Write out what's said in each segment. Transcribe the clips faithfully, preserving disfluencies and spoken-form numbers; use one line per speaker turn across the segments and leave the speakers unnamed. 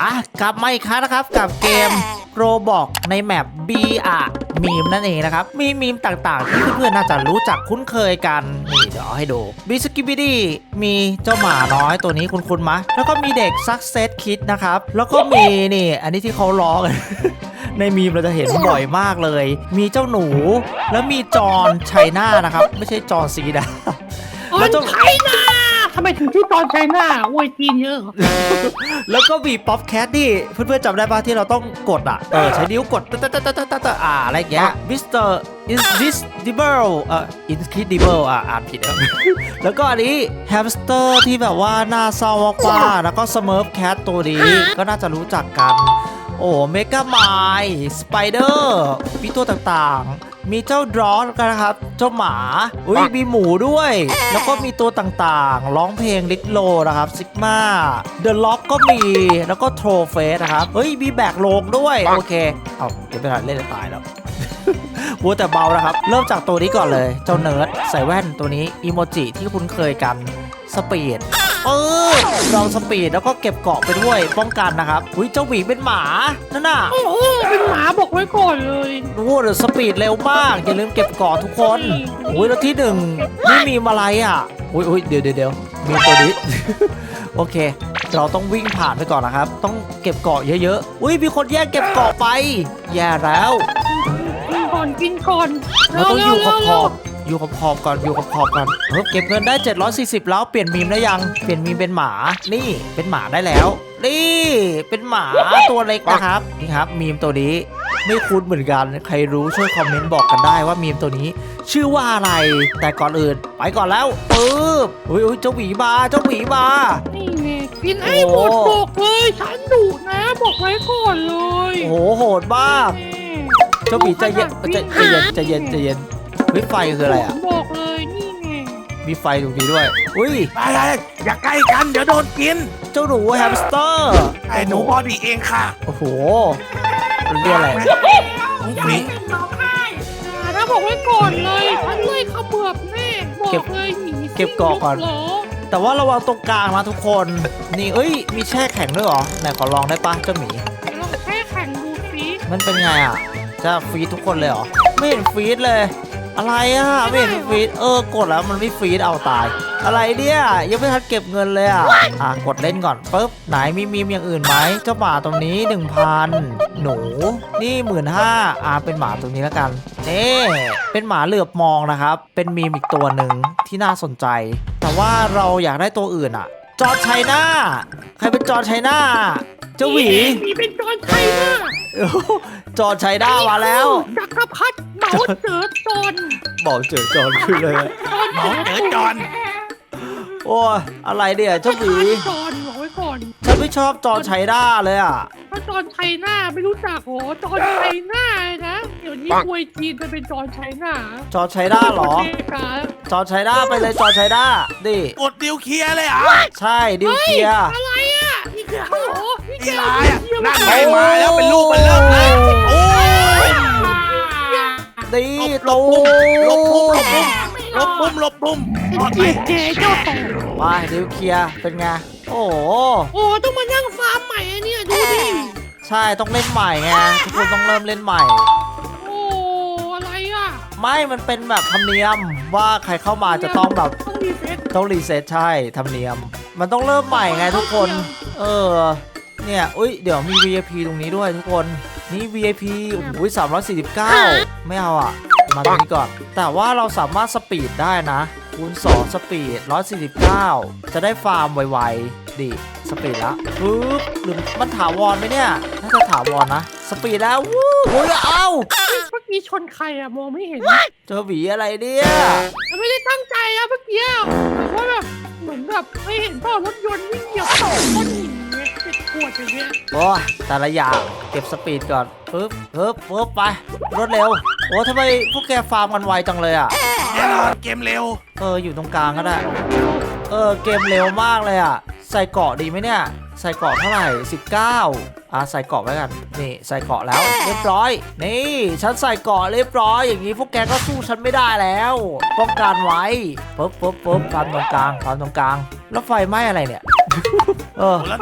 อ่ะกลับมาอีกครั้งนะครับกับเกมโรบอกในแมป บี อะมีมนั่นเองนะครับมีมีมต่างๆที่เพื่อนๆน่าจะรู้จักคุ้นเคยกันนี่เดี๋ยวเอาให้ดูบิสกิบิดี้มีเจ้าหมาน้อยตัวนี้คุ้นๆมะแล้วก็มีเด็กซักเซสคิดนะครับแล้วก็มีนี่อันนี้ที่เขาล้อกัน ในมีมเราจะเห็นบ่อยมากเลย มีเจ้าหนูแล้วมีจอนไชน่านะครับไม่ใช่จอนซีดา
แล้วเจ้าไชน่าทำไมถึงชื่อตอนไชน่าอวยจีนเยอะ
แล้วก็มีป๊อปแคทที่เพื่อนๆจำได้ป่ะที่เราต้องกดอ่ะเออใช้นิ้วกดตะตะตะตะตะตะอ่าอะไรอย่างเงี้ยมิสเตอร์อินดิสดิเบิลเอ่ออินคิดิเบิลอ่ะอ่านผิดแล้ว แล้วก็อันนี้แฮมสเตอร์ที่แบบว่าหน้าเศร้ามากๆแล้วก็สเมิร์ฟแคทตัวนี้ก็น่าจะรู้จักกันโอ้เมกาไมล์สไปเดอร์มีตัวต่างๆมีเจ้าดรอสกันนะครับเจ้าหมาอุ้ยมีหมูด้วย แล้วก็มีตัวต่างๆร้องเพลงลิทโลนะครับซิกมาเดอะล็อกก็มีแล้วก็โทรเฟสนะครับเฮ้ยมีแบกโลงด้วยโอเคเอาเดี๋ยวไปเล่นจะตายแล้ว วัวแต่เบานะครับเริ่มจากตัวนี้ก่อนเลยเจ้าเนิร์ดใส่แว่นตัวนี้อีโมจิที่คุ้นเคยกันสปีดเออลองสปีดแล้วก็เก็บเกาะไปด้วยป้องกันนะครับอุ้ยเจ้าหมีเป็นหมานั่นน่ะ
โอ้โหเป็นหมาบอกไว้ก่อนเลย
โอ้เดี๋ยวสปีดเร็วมากอย่าลืมเก็บเกาะทุกคนอุ้ยแล้วที่หนึ่งนี่มีอะไรอ่ะอุ้ยอุ้ยเดี๋ยวเดี๋ยวเดี๋ยวมีตัวนี้ โอเคเราต้องวิ่งผ่านไปก่อนนะครับต้องเก็บเกาะเยอะๆอุ้ยมีคนแย่งเก็บเกาะไปแย่แล้ว
กินก่อนกินก่อน
เราต้องอยู่ขอบขอบอยู่ขอบขอบก่อนอยู่ขอบขอบก่อนเออเก็บเงินได้เจ็ดร้อยสี่สิบแล้วเปลี่ยนมีมได้ยังเปลี่ยนมีมเป็นหมานี่เป็นหมาได้แล้วนี่เป็นหมาตัวเล็กนะครับนี่ครับมีมตัวนี้ไม่คุ้นเหมือนกันใครรู้ช่วยคอมเมนต์บอกกันได้ว่ามีมตัวนี้ ชื่อว่าอะไรแต่ก่อนอื่นไปก่อนแล้วปึ๊บอุ้ยอุ้ยเจ้าหวีมาเจ้าหวีมา
นี่ไงกินให้หมดบอกเลยฉันดุนะบอกไว้ก่อนเลย
โอ้โหโหดมากเจ้าหวีใจเย็นใจใจเย็นใจเย็นใจเย็นเฮ้ยไฟคืออะไรอ่ะ
บอกเลยนี่ไง
มีไฟตรงนี้ด้วยอุ้ย
อะไรอย่าใกล้กันเดี๋ยวโดนกิน
เจ้าหนูแฮมสเตอร์
ไอ้หนูบอดี้เองค่ะ
โอ้โหเรียกอะไร
นี่
ถ้าบอกไว้ก่อนเลยฉันเลยขมือบแน่บอกเลยหนี
เก็บเกาะก่อน
เหรอ
แต่ว่าระวังตรงกลางนะทุกคนนี่เอ้ยมีแช่แข็งด้วยเหรอไหนขอลองได้ปะเจ้าหมี
เดี๋ยวเราแค่แข่งดูสิ
มันเป็นไงอ่ะจะฟรีดทุกคนเลยเหรอไม่เห็นฟรีดเลย อะไรอ่ะไม่เห็นฟรีดเออกดแล้วมันไม่ฟรีดเอาตาย อะไรเนี่ยยังไม่ทันเก็บเงินเลยอ่ะอ่ะกดเล่นก่อนปุ๊บไหนมีมีมอย่างอื่นไหมเจ้าหมาตรงนี้ หนึ่งพัน หนูนี่ หนึ่งหมื่นห้าพัน อ่ะเป็นหมาตรงนี้แล้วกันนี่เป็นหมาเหลือบมองนะครับเป็นมีมอีกตัวหนึ่งที่น่าสนใจ แต่ว่าเราอยากได้ตัวอื่นอ่ะ จอร์จไชน่าใครเป็นจอร์จไชน่าเจ้าหวี
มีเป็นจอนไชน่า
จอร์จไชน่ามาแล้ว
จักรพรรดิเหมาเจ๋อจอน
บอกเจอจอร์จขึ้นเลย
หมอเจอจอน
โอ้ยอะไรเนี่ยเจ้าหวี
จอนบอกไว้ก่อน
ฉันไม่ชอบจอร์จไชน่าเลยอ่ะ
ถ้าจอนไชน่าไม่รู้จักโหจอนไชน่านะเดี๋ยวนี้มวยจีนจะเป็นจอนไชน่า
จอร์จไชน่าเหรอ
เมกา
จอร์จไชน่าไปเลยจอร์จไชน่าดิ
กดดิวเคลียร์เลยเหรอ่ะ
ใช่ดิวเคลียร์
อะไรอ่ะนี่คือโอ้โหนี่
นี่
คือ
ร้ายอ่ะนั่นไงมาแล้วเป็นลูกมันเริ่มเลยโอ้ย
ดีตู
หลบปุ่มหลบปุ่มหลบปุ่มหลบปุ่มรอดไหม
เจ๊เจ้าต่อ
ไปดิวเคลียร์เป็นไงโอ้โห
โอ้ต้องมานั่งฟาร์มใหม่อะเนี่ยดูดิ
ใช่ต้องเล่นใหม่ไงทุกคนต้องเริ่มเล่นใหม่
โอ้อะไรอ่ะ
ไม่มันเป็นแบบธรรมเนียมว่าใครเข้ามาจะต้องแบบ
ต้องรีเซ็ต
ต้องรีเซ็ตใช่ธรรมเนียม มันต้องเริ่มใหม่ไงทุกคน เออ เนี่ยอุ้ย เดี๋ยวมี วี ไอ พี ตรงนี้ด้วยทุกคน นี่ วี ไอ พี โอ้โหสามร้อยสี่สิบเก้าไม่เอาอ่ะ มาตรงนี้ก่อน แต่ว่าเราสามารถสปีดได้นะ คูณ สอง สปีดหนึ่งร้อยสี่สิบเก้าจะได้ฟาร์มไวๆดิสปีดละปึ๊บหรือมันถาวรไหมเนี่ย น่าจะถาวรนะ สปีดแล้ววู้โอ้ยเอ้า
เมื่อกี้ชนใครอะมองไม่เห็น
เจอหวีอะไรเนี่ย
ไม่ได้ตั้งใจอะเมื่อกี้แต่ว่าแบบเหมือนแบบไม่เห็นเปล่ารถยนต์วิ่งเหยียบต่อก้อนหินเนี่ยเจ็บปวดอย่างเงี้ย
โอ้ยแต่ละอย่างเก็บสปีดก่อนปึ๊บปึ๊บปึ๊บไปรวดเร็วโอ้ทำไมพวกแกฟาร์มกันไวจังเลยอ่ะ
แน่นอนเกมเร็ว
เอออยู่ตรงกลางก็ได้เออเกมเร็วมากเลยอ่ะใส่เกราะดีไหมเนี่ยใส่เกราะเท่าไหร่สิบเก้าอ่ะใส่เกราะไว้กันนี่ใส่เกราะแล้วเรียบร้อยนี่ฉันใส่เกราะเรียบร้อยอย่างนี้พวกแกก็สู้ฉันไม่ได้แล้วป้องกันไว้ปึ๊บปึ๊บปึ๊บฟาร์มตรงกลางฟาร์มตรงกลางแล้วไฟไหม้อะไรเนี่ย เออ
แล้ว
ปาปา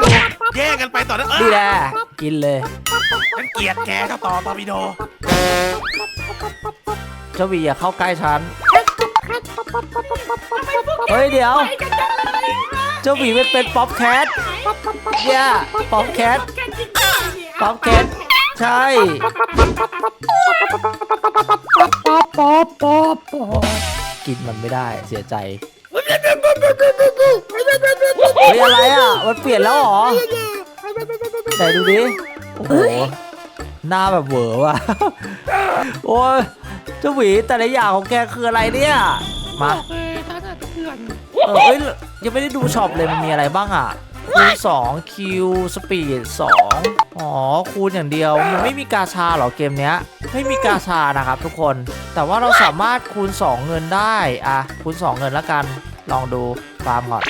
แย่งกันไปต่อนะเอ
ดี
อ
แหละกินเลย
ฉันเกลียดแกเจ้าต่อตอร์ปิโด
เจ้าหวีอย่าเข้าใกล้ฉันเฮ้ยเดี๋ยวเจ้าหวีมันเป็นป๊อปแคทแย่ป๊อปแคทป๊อปแคทใช่
ป๊อปป๊อปป๊อปป๊อป
กินมันไม่ได้เสียใจเฮ้ยอะไรอ่ะมันเปลี่ยนแล้วเหรอไหนดูดิโอ้โหหน้าแบบเหวอว่ะโอ้ยเจ้าหวีแต่ละอย่างของแกคืออะไรเนี่ยมา
โอเคท่านเถื่อน
เออเอ้ยยังไม่ได้ดูช็อปเลยมันมีอะไรบ้างอ่ะคูณสองคิวสปีดสองอ๋อคูณอย่างเดียวมันไม่มีกาชาเหรอเกมเนี้ยไม่มีกาชานะครับทุกคนแต่ว่าเราสามารถคูณสองเงินได้อ่ะคูณสองเงินแล้วกันลองดูฟาร์มก่อน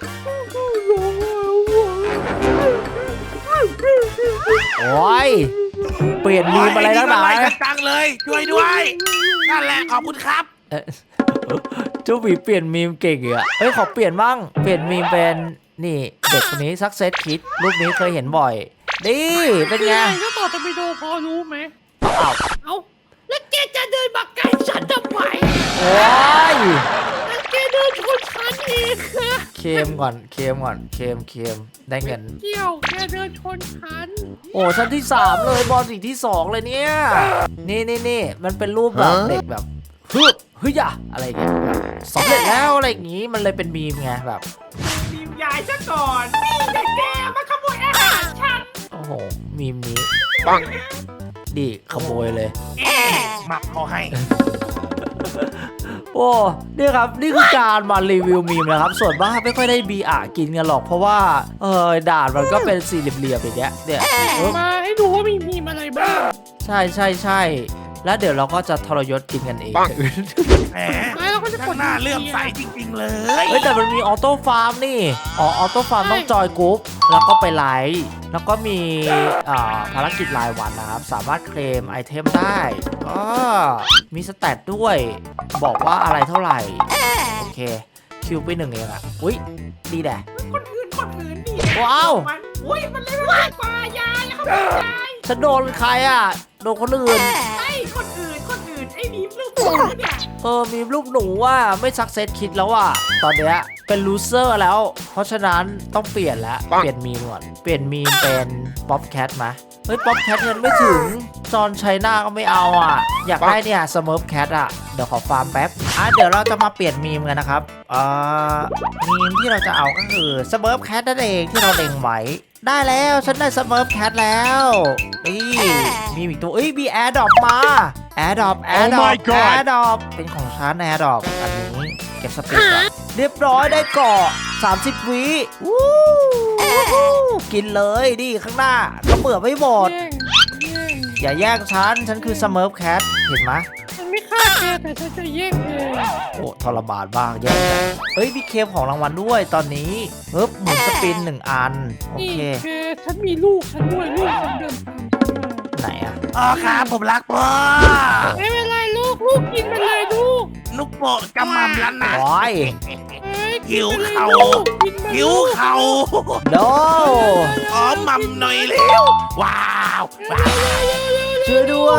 โอ้ยเปลี่ยนมีมอะไรแล้วหนา
ไล่กันจังเลยช่วยด้วยนั่นแหละขอบคุณครับ
เอ๊ะเจ้าหวีเปลี่ยนมีมเก่งอ่ะเฮ้ยขอเปลี่ยนบ้างเปลี่ยนมีมเป็นนี่เด็กคนนี้ซักเซสคิดรูปนี้เคยเห็นบ่อยนี่เป็นไง
ก็ต่อจะไปดูพอรู้ไหม
อ้าว
เอาแล้วแกจะเดินมาใกล้ฉันทำไม
โอ้ย
แล้วแกเดินชนฉันเองค่ะ
เค็มก่อนเค็มก่อนเค็มเค็มได้เงิน
เกี่ยวแกเดินชนฉัน
โอ้ชั้นที่สามเลยบอลสีที่สองเลยเนี่ยนี่นี่นี่มันเป็นรูปแบบเด็กแบบฮึบฮึยะอะไรอย่างเงี้ยแบบสำเร็จแล้วอะไรอย่างงี้มันเลยเป็นมีมไงแบบ
มียายซะก่อนนี่แต่แกมาขโมยอาหารฉัน
โอ้โหมีมนี้ปังดิขโมยเลย
เอ๊ะหมับเขาให้
โอ้นี่ครับนี่คือการมารีวิวมีมนะครับส่วนมากไม่ค่อยได้บีอากินกันหรอกเพราะว่าเออด่านมันก็เป็นสี่เหลี่ยมๆอย่างเงี้ยเนี่ยเออ
มาให้ดูว่ามีมีอะไรบ้าง
ใช่ใช่ใช่แล้วเดี๋ยวเราก็จะทรยศกินกันเอง
แหม
ไม่เราก็จะก
ข้า
ด
งหน้าเลื่อมใสจริงๆเลย
เฮ้ยแต่มันมีออโต้ฟาร์มนี่อ๋อออโต้ฟาร์มต้องจอยกรุ๊ปแล้วก็ไปไลฟ์แล้วก็มีอ่าภารกิจรายวันนะครับสามารถเคลมไอเทมได้ก็มีสแตทด้วยบอกว่าอะไรเท่าไหร่โอเคคิวไปหนึ่งเองอ่ะอุ้ยดีแด่
คนอื่นคนอื่นนี่
ว้าว
มันอุ้ยมันเลยมากกว่ายายเขาเป็นยาย
ฉันโดนใครอ่ะโดนคนอื่น
ไอ้คนอื่นคนอื่นไอ้มีลูกหมูเนี่ย
เออมีลูกหนูว่าไม่ซักเซสคิดแล้วอ่ะตอนเนี้ยเป็นลูเซอร์แล้ว เพราะฉะนั้นต้องเปลี่ยนแล้วเปลี่ยนมีมก่อนเปลี่ยนมีมเป็นป๊อปแคทมาเฮ้ยป๊อปแคทเงินไม่ถึงจอนไชน่าก็ไม่เอาอ่ะอยากได้เนี่ยสเมิร์ฟแคทอ่ะเดี๋ยวขอฟาร์มแป๊บอ่ะเดี๋ยวเราจะมาเปลี่ยนมีมกันนะครับอ่ามีมที่เราจะเอาก็คือสเมิร์ฟแคทนั่นเองที่เราเล็งไว้ได้แล้วฉันได้สเมิร์ฟแคทแล้วนี่มีอีกตัวเอ้ยมีแอร์ดรอปมาแอร์ดรอปแอร์ดรอปแอร์ดรอปเป็นของฉันแอร์ดรอปอันนี้เก็บสปีดก่อนเรียบร้อยได้เกาะสามสิบวิวู้วู้กินเลยดิข้างหน้าก็เบื่อไม่หมด
แย่งแย่ง
อย่าแย่งฉันฉันคือสเมิร์ฟแคทเห็นไหม
ฉันไม่ฆ่าแกแต่ฉันจะแย่งแก
โอ้ทรมานบ้างแย่งจังเฮ้ยมีเคมของรางวัลด้วยตอนนี้เฮ้ยหมุนสปินหนึ่งอันโอ
นี่
เค
แกฉันมีลูกฉันด้วยลูกฉันเดินตามฉันมา
ไหนอะ
อ๋อครับผมรักพ่อ
ไม่เป็นไรลูกลูกกินไปเลยลูก
ลูกโปะกำมั่มแล้วนะ
โอ้ย
เอ้ย
หิว
กินไปลย
เข่า
ลูกกินไป
หิว
ลูก
เข่า
โน
ขอมัมหน่อยเร็วว้าวว้าว
ช่วยด้วย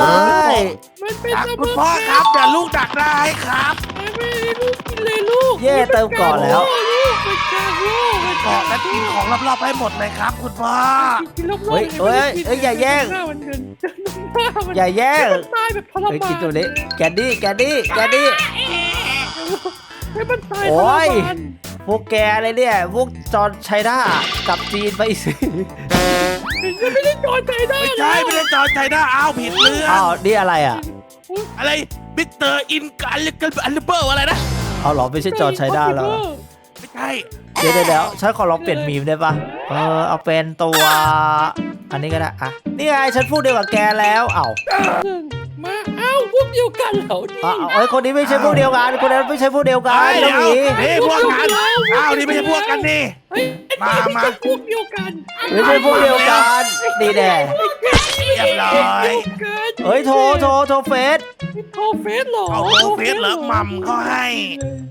มันเป็น
ครับ
ส
คุณ
มุน
พ่อครับเดี๋ยวลูกดักได้ครับ
ไม่ไม่ลูกกินเลยลูก
เย่เติมก่อนแล้ว
ลูกเป็นการลูกเป็น
เกาะและกินของรอบๆให้หมดเลยครับ คุณพ่อ
กินรอบๆ
เฮ้ยเฮ้ยเฮ้ยอย่าแย่ง
หน้ามันเดินเดินหน้ามัน
อย่าแย่ง
ตายแบบทรมาน
เฮ้ยกินตัวนี้แกนดี้แกนดี้แกนดี้
ให้มันตาย
โอ้
ทร
ย
มาน
พวกแกเลยเนี่ยพวกจอร์นไชน่ากลับจีนไปสิ
ฉันไม่ได้จอดใจได้
ไม่ใช่ไม่ได้จอดใจนะอ้าวผิดเรื่อง
อ้าวนี่อะไรอ่ะ
อะไรมิสเตอร์อินกันลิกันอันเบอร์อะไรนะ
เอาเหรอไม่ใช่จอร์นไชน่าแล้ว
ไม่ใช่
เดี๋ยวเดี๋ยวเดี๋ยวฉันขอลองเปลี่ยนมีมได้ปะเออเอาเป็นตัวอันนี้ก็ได้อะนี่ไงฉันพูดเดียวกับแกแล้วเอ้า
หนึ่งมาเอ้าพวกเดียวกันเหรอดิ
เอาเอาเอ้ยคนนี้ไม่ใช่พวกเดียวกันคนนั้นไม่ใช่พวกเดียวกัน
เฮ้ย
เจ้าหมี
เฮ้ยพวกกันอ้าวนี่ไม่ใช่พวกกันนี่
เฮ้ย
มามา
ไใช่พวกเดียวกัน
ไม่ใช่พวกเดียวกันดีแน่
เรียบร้อย
เฮ้ยโทรโทรโทรเฟส
โทรเฟสเหรอ
เอาโทรเฟซเหรอมัมเขาให้
เดี๋ยวโป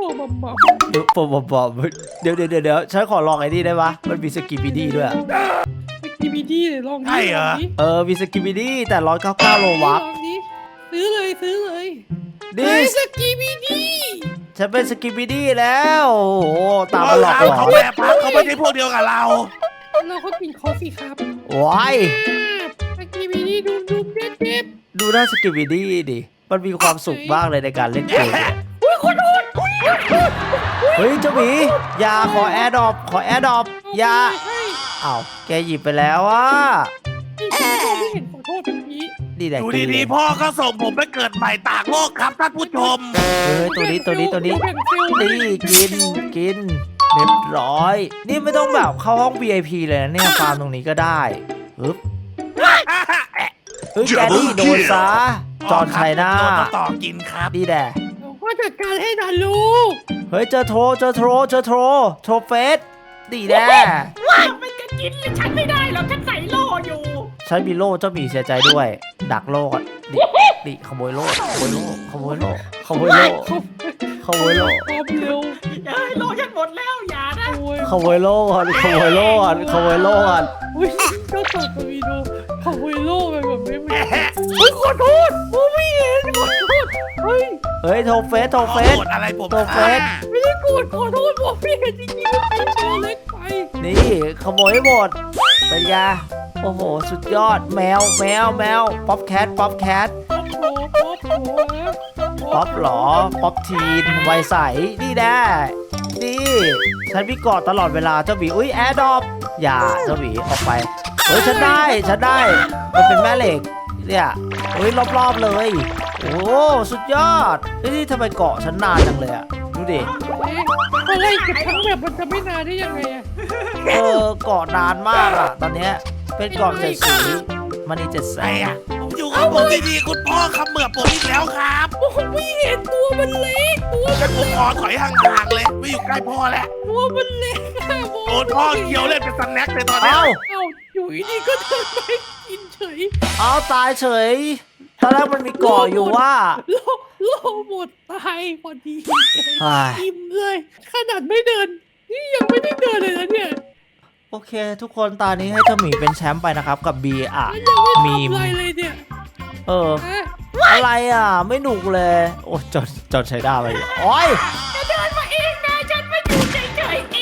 บอมบอม
เดี๋ยวผมผมบอกเดี๋ยวเดี๋ยวเดี๋ยวเดี๋ยวฉันขอลองไอ้นี่ได้ปะมันมีสกิบิดี้ด้วยอะ
สกีบีดี้เลยลองดิ
ใช่เหรอ
ลองดิ
เออมีสกิบิดี้แต่ร้อยเก้าเก้าโลวัต
ลองดิซื้อเลยซื้อเลย
ดิ
เฮ้ยสกีบีดี้
ฉันเป็นสกิบิดี้แล้วโอ้โหตามมาหลอกหลอ
เขา
น
แบบพักเขาไม่ใช่พวกเดียวกับเรา
เราก็กินคอฟฟี่ครับ
ว้าย
สกีบีดี้ดุมดุมเด็ดเด็ด
ดูหน้าสกิบิดี้ดิมันมีความสุขมากเลยในการเล่นเกมเนี่ย
อุ้ยขอโทษ
เฮ้ยเจ้าหมีอยาขอแอร์ดรอปขอแอร์ดรอปอยา
ให้
อ้าวแกหยิบไปแล้วอ่ะ
ที่ฉันไม่เห็นขอโทษเมื่อกี้
ดีแหละ
อยู่
กินเล
ดี
ย
ๆพ่อก็ส่งผมไปเกิดใหม่ต่างโลกครับท่านผู้ชม
เฮ้ยตัวนี้ตัวนี้ตัวนี้
แบ่งเซลล์
นี่กินกินเรียบร้อย นี่ไม่ต้องแบบเข้าห้อง วี ไอ พี เลยนะเนี่ยฟาร์มตรงนี้ก็ได้ฮึบเฮ้ยแกนี่โดนซะจอนชัยนา
โดนต่อกินครับ
ดีแด่
เราก็จัดการให้นะลูก
เฮ้ยเจอโทรเจอโทรเจอโทรโทรเฟสดีแด่
ว่ามันจะกินเลยฉันไม่ได้หรอกฉันใส่โล่อยู่
ฉันมีโล่เจ้าหมีเสียใจด้วย ดักโล่ก่อนดิดิขโมยโล่ขโมยโล่ขโมยโล่ขโมยโล่ขโมยโล่
พร้อมเร็ว
เอ้ยโล่ฉันหมดแล้วอย่านะ
โอ้ย
ขโมยโล่ก่อนขโมยโล่ก่อนขโมยโล่ก่อน
อุ้ยเจ้าตัวตัววีโดขโมยโล่ไปแบบนี้ไม่ได้เฮ้ยขอโทษผมไม่เห็นขอโทษเฮ้ย
เฮ้ยโทรเฟสโทรเฟส
โกรธอะไรผม
ตัวเฟส
ไม่ได้โกรธขอโทษผมไม่เห็นจริงๆว่าเป็นตัวเล็กไป
นี่ขโมยให้หมดเป็นไงโอ้โห สุดยอดแมวแมวแมวป๊อปแคทป๊อปแคท
ป๊อปโผป๊อปโผนะ
ป๊อปหรอป๊อปทีนไวยใสนี่แน่นี่ฉันมีกอดตลอดเวลาเจ้าหมีอุ้ยแอร์ดรอปอย่าเจ้าหมีออกไปเฮ้ยฉันได้ฉันได้มันเป็นแม่เหล็กเนี่ยเฮ้ยรอบๆเลย โอ้สุดยอดเฮ้ยนี่ทำไมเกาะฉันนานจังเลยอะดูดิ
เอ๊ะอะไรเก็บทั้งแบบมันจะไม่นานได้ยังไงอะ
เออเกาะนานมากอะตอนเนี้ยเป็นเกาะเจ็ดสีมันนี่เจ็ดแส
ไอ้
ง
อะผมอยู่กับผมดีๆคุณพ่อเขมือบผมอีกแล้วครับ
โอ้โหไม่เห็นตัวมันเล็กตัวมัน
ผมขอถอยห่างๆเลยไม่อยู่ใกล้พ่อแล้ว
ตัวมันเล็กอะ
โดนพ่อเคี้ยวเล่นเป็นสแน็คเลยตอนเนี้ย
เอ้า
เอ้าอยู่ดีๆก็เดินไปกินเฉย
เอาตายเฉยตอนแรกมันมีเกาะอยู่ว่า
โลโลหมดตายพอดี
เฮ้ย
อิ่มเลย ขนาดไม่เดิน นี่ยังไม่ได้เดินเลยนะเนี่ย
โอเค ทุกคนตอนนี้ให้เจ้าหมีเป็นแชมป์ไปนะครับกับ B อ่ะ
ยังไม่
มีม
ทำอะไรเลยเนี่ย
เออ
ฮะ
อะไรอ่ะ ไม่หนุกเลย โอ้จอดจอดใช้ได้ไปโอ้ย
จะเดินมาเองนะฉันไม่อยู่เฉยๆเอง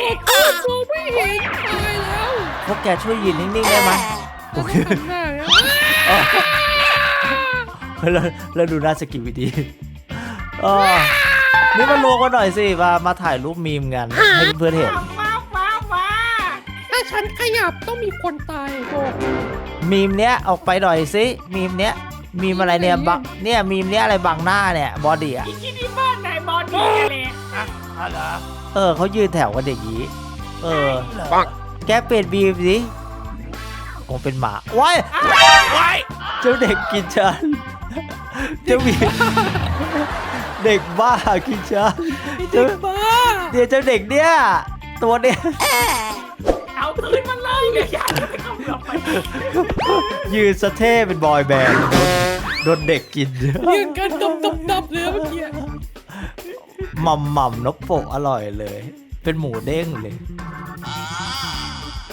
ขอโทษมองไม่เห็นตายแล้ว
พวกแกช่วยยืนนิ่งๆได้ไหมโอเค
หันหน้าแล้ว
แล้วแล้วดูหน้าสกิปดีเออนี่มารวมกันหน่อยสิ มามาถ่ายรูปมีมกัน ให้เพื่อนๆเห็น
ว้าวว้าวว้าว
ถ้าฉันขยับต้องมีคนตายโบ
มีมเนี้ยออกไปหน่อยสิ มีมเนี้ย มีมอะไรเนี่ยบังเนี่ยมีมเนี้ยอะไรบังหน้าเนี่ย บอดี้อ่ะ
อีกที่นี่บ้านไหนบอดี้เลย
อ่ะอ๋อเหรอ
เออเขายืนแถวกันอย่างนี้ เออ
ปัง
แกเปลี่ยนบีมสิคงเป็นหมาว้าย
ไว้
เจ้าเด็กกินฉัน เจ้าบีเด็กบ้ากินฉัน
ไอ้เด็กบ้า
เดี๋ยวเจ้าเด็กเนี่ย ตัวเนี้ย
เอาคืนมันเลยเดี๋ยวอย่าไปเข้าเมืองไป
ยืนสะเท่เป็นบอยแบนด์โดนโดนเด็กกิน
ยืนกันดำดำดำเลยเมื่อกี้
หม่ำหม่ำนกโปะอร่อยเลย เป็นหมูเด้งเลย